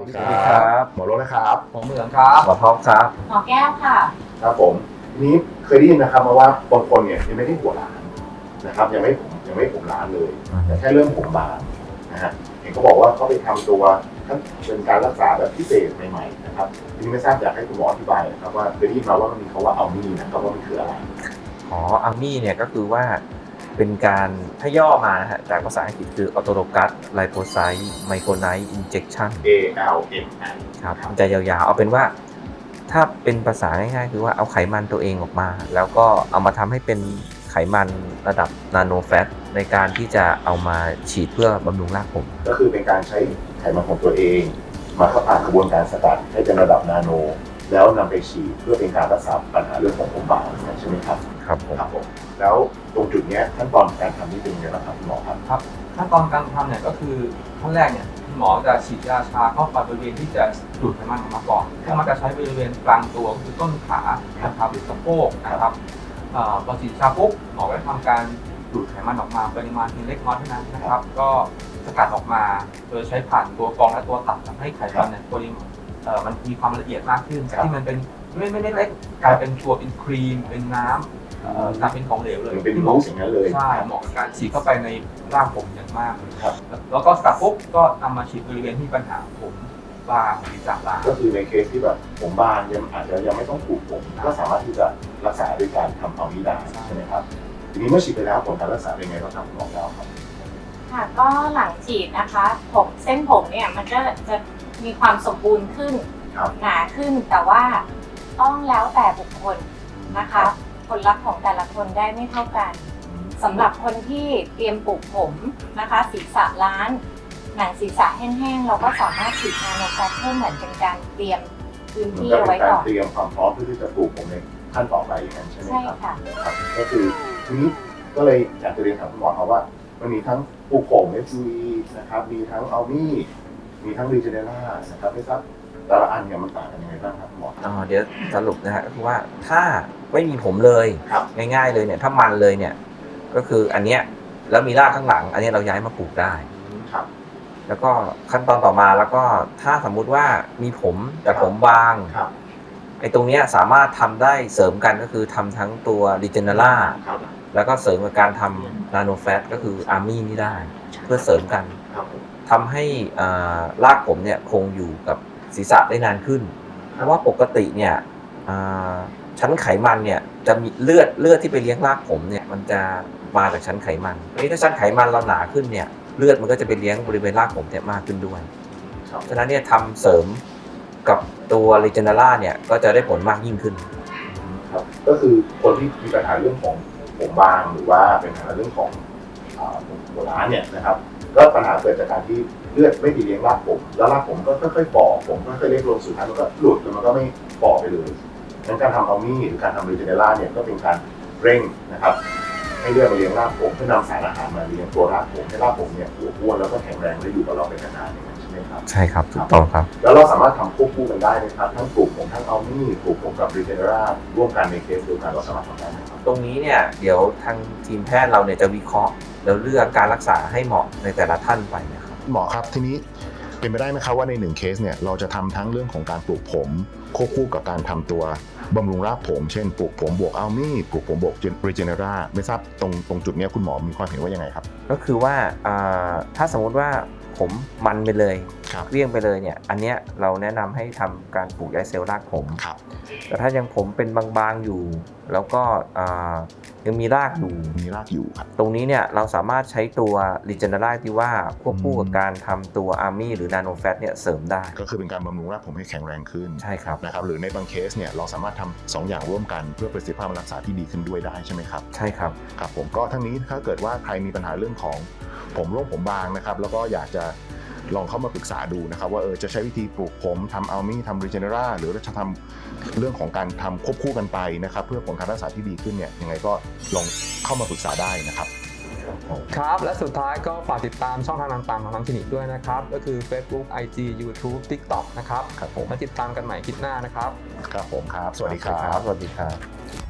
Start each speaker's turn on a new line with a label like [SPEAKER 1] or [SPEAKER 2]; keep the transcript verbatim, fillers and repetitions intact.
[SPEAKER 1] สวัสดีครับ
[SPEAKER 2] หมอโรจน์นะครับ
[SPEAKER 3] หมอเหมืองครับ
[SPEAKER 1] หมอท็อปครับ
[SPEAKER 4] หมอแก้วค่ะ
[SPEAKER 2] ครับผมนี้เคยได้ยินนะครับมาว่าบางคนเนี่ยยังไม่ได้หัวล้านนะครับยังไม่ผมยังไม่ผมล้านเลยแต่แค่เริ่มผมบางนะฮะเห็นเขาบอกว่าเขาไปทำตัวเป็นการรักษาแบบพิเศษใหม่ๆนะครับทีนี้ไม่ทราบอยากให้คุณหมออธิบายนะครับว่าเคยได้ยินมาว่ามันมีคำว่าอัลมี่นะครับว่ามันคืออะไร
[SPEAKER 1] อ๋ออัลมี่เนี่ยก็คือว่าเป็นการถ้าย่อมานะฮะจากภาษาอังกฤษคือออโตโลกัสไลโพไซต์ไมโครไนท์อินเจคชั่น
[SPEAKER 2] A L M I
[SPEAKER 1] ครับมันจะยาวๆเอาเป็นว่าถ้าเป็นภาษาง่ายๆคือว่าเอาไขมันตัวเองออกมาแล้วก็เอามาทำให้เป็นไขมันระดับนาโนแฟตในการที่จะเอามาฉีดเพื่อบำรุงรากผม
[SPEAKER 2] ก็คือเป็นการใช้ไขมันของตัวเองมาเข้าผ่านกระบวนการสกัดให้เป็นระดับนาโนแล้วนำไปฉีดเพื่อเป็นการรักษาปัญหาเรื่องของผมบางใช่ไหมครับ
[SPEAKER 1] ครับผม
[SPEAKER 2] ครับผมแล้วตรงจุดนี้ขั้นตอนการทำนี่เป็นยังไงบ้างครับคุณหมอครับ
[SPEAKER 3] ครับขั้นตอนการทำเนี่ยก็คือขั้นแรกเนี่ยคุณหมอจะฉีดยาชาเข้าไปบริเวณที่จะดูดไขมันออกมาก่อนซึ่งมันจะใช้บริเวณกลางตัวคือต้นขานะครับหรือสะโพกนะครับพอฉีดชาปุ๊บหมอก็จะทำการดูดไขมันออกมาปริมาณเพียงเล็กน้อยเท่านั้นนะครับก็สกัดออกมาโดยใช้ผ่านตัวกรองและตัวตัดทำให้ไขมันเนี่ยปริมาณมันมีความละเอียดมากขึ้นที่มันเป็นไม่ไม่เล็กกลายเป็นตัวเป็นครีมเป็นน้ำกลายเป็นของเหลวเลย
[SPEAKER 2] เป็นรูปอย่างนั้นเลย
[SPEAKER 3] ใช่เหมาะกับการฉีดเข้าไปในร่างผมอย่างมากครับแล้วก็สกัดปุ๊บก็นำมาฉีดบริเวณที่ปัญหาผมบางศีรษะบาง
[SPEAKER 2] ก็คือในเคสที่แบบผมบางยังอาจจะยังไม่ต้องปลูกผมก็สามารถที่จะรักษาด้วยการทำเอานี้ได้ใช่ไหมครับทีนี้เมื่อฉีดไปแล้วผลการรักษาเป็นไงบ้างครับคุณหมอแล้วครับ
[SPEAKER 4] ค่ะก็หลังฉีดนะคะผมเส้นผมเนี่ยมันก็จะมีความสมบูรณ์ขึ้นหนาขึ้นแต่ว่าต้องแล้วแต่บุคคลนะคะผลลัพธ์ของแต่ละคนได้ไม่เท่ากันสำหรับคนที่เตรียมปลูกผมนะคะศีรษะล้านหนังศีรษะแห้งๆเราก็สามารถฉีดนาโนแฟตเพิ่มเหมือนเป็นการเตรียมพื้นที่เอาไว้ก่อน
[SPEAKER 2] เตรียมความพร้อมเพื่อที่จะปลูกผมในขั้นต่อไปอย่างนั้นใช่ไหมครับ
[SPEAKER 4] ใช่ค่ะ
[SPEAKER 2] ครับก็คือทีนี้ก็เลยอยากจะเรียนถามคุณหมอครับว่ามันมีทั้งปลูกผม เอฟ ยู อี นะครับมีทั้งอัลมี่มีทั้งรีเจเนร่านะครับไม่ทราบแต่ละอันเนี่ยมันต่างกันยังไงบ้างครับหมอ
[SPEAKER 1] อ๋อเดี๋ยวสรุปนะฮะก็คือว่าถ้าไม่มีผมเลยง่ายๆเลยเนี่ยถ้ามันเลยเนี่ยก็คืออันเนี้ยแล้วมีรากข้างหลังอันนี้เราย้ายมาปลูกได้
[SPEAKER 2] ครับ
[SPEAKER 1] แล้วก็ขั้นตอนต่อมาแล้วก็ถ้าสมมุติว่ามีผมแต่ผมบางไอ้ตรงเนี้ยสามารถทำได้เสริมกันก็คือทำทั้งตัวรีเจเนร่าแล้วก็เสริมกับการทำนาโนแฟตก็คืออาร์มี่นี่ได้เพื่อเสริมกันทำให้รากผมเนี่ยคงอยู่กับศีรษะได้นานขึ้นเพราะว่าปกติเนี่ยชั้นไขมันเนี่ยจะมีเลือดเลือดที่ไปเลี้ยงรากผมเนี่ยมันจะมาจากชั้นไขมันทีนี้ถ้าชั้นไขมันเราหนาขึ้นเนี่ยเลือดมันก็จะไปเลี้ยงบริเวณรากผมเนี่ยมากขึ้นด้วยฉะนั้นเนี่ยทำเสริมกับตัวรีเจเนร่าเนี่ยก็จะได้ผลมากยิ่งขึ้น
[SPEAKER 2] ครับก็คือคนที่มีปัญหาเรื่องของผมบางหรือว่าเป็นปัญหาเรื่องของหัวล้านเนี่ยนะครับก็ปัญหาเกิดจากการที่เลือดไม่ดีเลี้ยงรากผมแล้วรากผมก็ค่อยๆฝ่อผมก็ค่อยๆเล็กลงสุดท้ายมันก็หลุดแล้วมันก็ไม่ฝ่อไปเลยงั้นการทำอัลมี่หรือการทำรีเจเนร่าเนี่ยก็เป็นการเร่งนะครับให้เลือดมาเลี้ยงรากผมเพื่อนำสารอาหารมาเลี้ยงตัวรากผมให้รากผมเนี่ยอ้วนแล้วก็แข็งแรงและอยู่กับเราเป็นนานๆอย่างนั้นใช่ไหมครับ
[SPEAKER 1] ใช่ครับถูกต้องครับ
[SPEAKER 2] แล้วเราสามารถทำควบคู่กันได้นะครับทั้งปลูกผมทั้งอัลมี่ปลูกผมกับรีเจเนร่าร่วมกันในเคสเดียวกันเราสามารถทำได้ไหมครับ
[SPEAKER 1] ตรงนี้เนี่ยเดี๋ยวทางทีมแพทย์เราเนี่ยจะวิเคราะห์แล้วเลือกการรักษาให้เหมาะในแต่ละท่านไปนะครับ
[SPEAKER 2] หมอครับทีนี้เป็นไปได้ไหมครับว่าในหนึ่งเคสเนี่ยเราจะทำทั้งเรื่องของการปลูกผมควบคู่กับการทำตัวบำรุงรากผมเช่นปลูกผมบวกอัลมี่ปลูกผมบวกรีเจเนร่าไม่ทราบตรงตรงจุดนี้คุณหมอมีความเห็นว่ายังไงครับ
[SPEAKER 1] ก็คือว่าถ้าสมมติว่าผมมันไปเลยเลี่ยงไปเลยเนี่ยอันเนี้ยเราแนะนำให้ทำการปลูกย้ายเซลล์รากผมแต่ถ้ายังผมเป็นบางๆอยู่แล้วก็ยังมีรากอยู่
[SPEAKER 2] มีรากอยู่ครับ
[SPEAKER 1] ตรงนี้เนี่ยเราสามารถใช้ตัวรีเจเนร่าที่ว่าควบคู่กับการทำตัวอาร์มี่หรือนาโนแฟตเนี่ยเสริมได้
[SPEAKER 2] ก็คือเป็นการบำรุงรากผมให้แข็งแรงขึ้น
[SPEAKER 1] ใช่ครับ
[SPEAKER 2] นะครับหรือในบางเคสเนี่ยเราสามารถทำสองอย่างร่วมกันเพื่อประสิทธิภาพรักษาที่ดีขึ้นด้วยได้ใช่ไหมครับ
[SPEAKER 1] ใช่ครับ
[SPEAKER 2] ครับผมก็ทั้งนี้ถ้าเกิดว่าใครมีปัญหาเรื่องของผมร่วงผมบางนะครับแล้วก็อยากจะลองเข้ามาปรึกษาดูนะครับว่าเออจะใช้วิธีปลูกผมทำอัลมี่ทำรีเจเนร่าหรือจะทำเรื่องของการทำควบคู่กันไปนะครับเพื่อผลการรักษาที่ดีขึ้นเนี่ยยังไงก็ลองเข้ามาปรึกษาได้นะครับ
[SPEAKER 3] ครับและสุดท้ายก็ฝากติดตามช่องทางต่างๆของทางคลินิกด้วยนะครับก็คือ Facebook ไอ จี YouTube TikTok นะครับ
[SPEAKER 2] ครับผม
[SPEAKER 3] มาติดตามกันใหม่คลิปหน้านะครับ
[SPEAKER 2] ครับผมครับสวัสดีครับ
[SPEAKER 1] สวัสดีครับ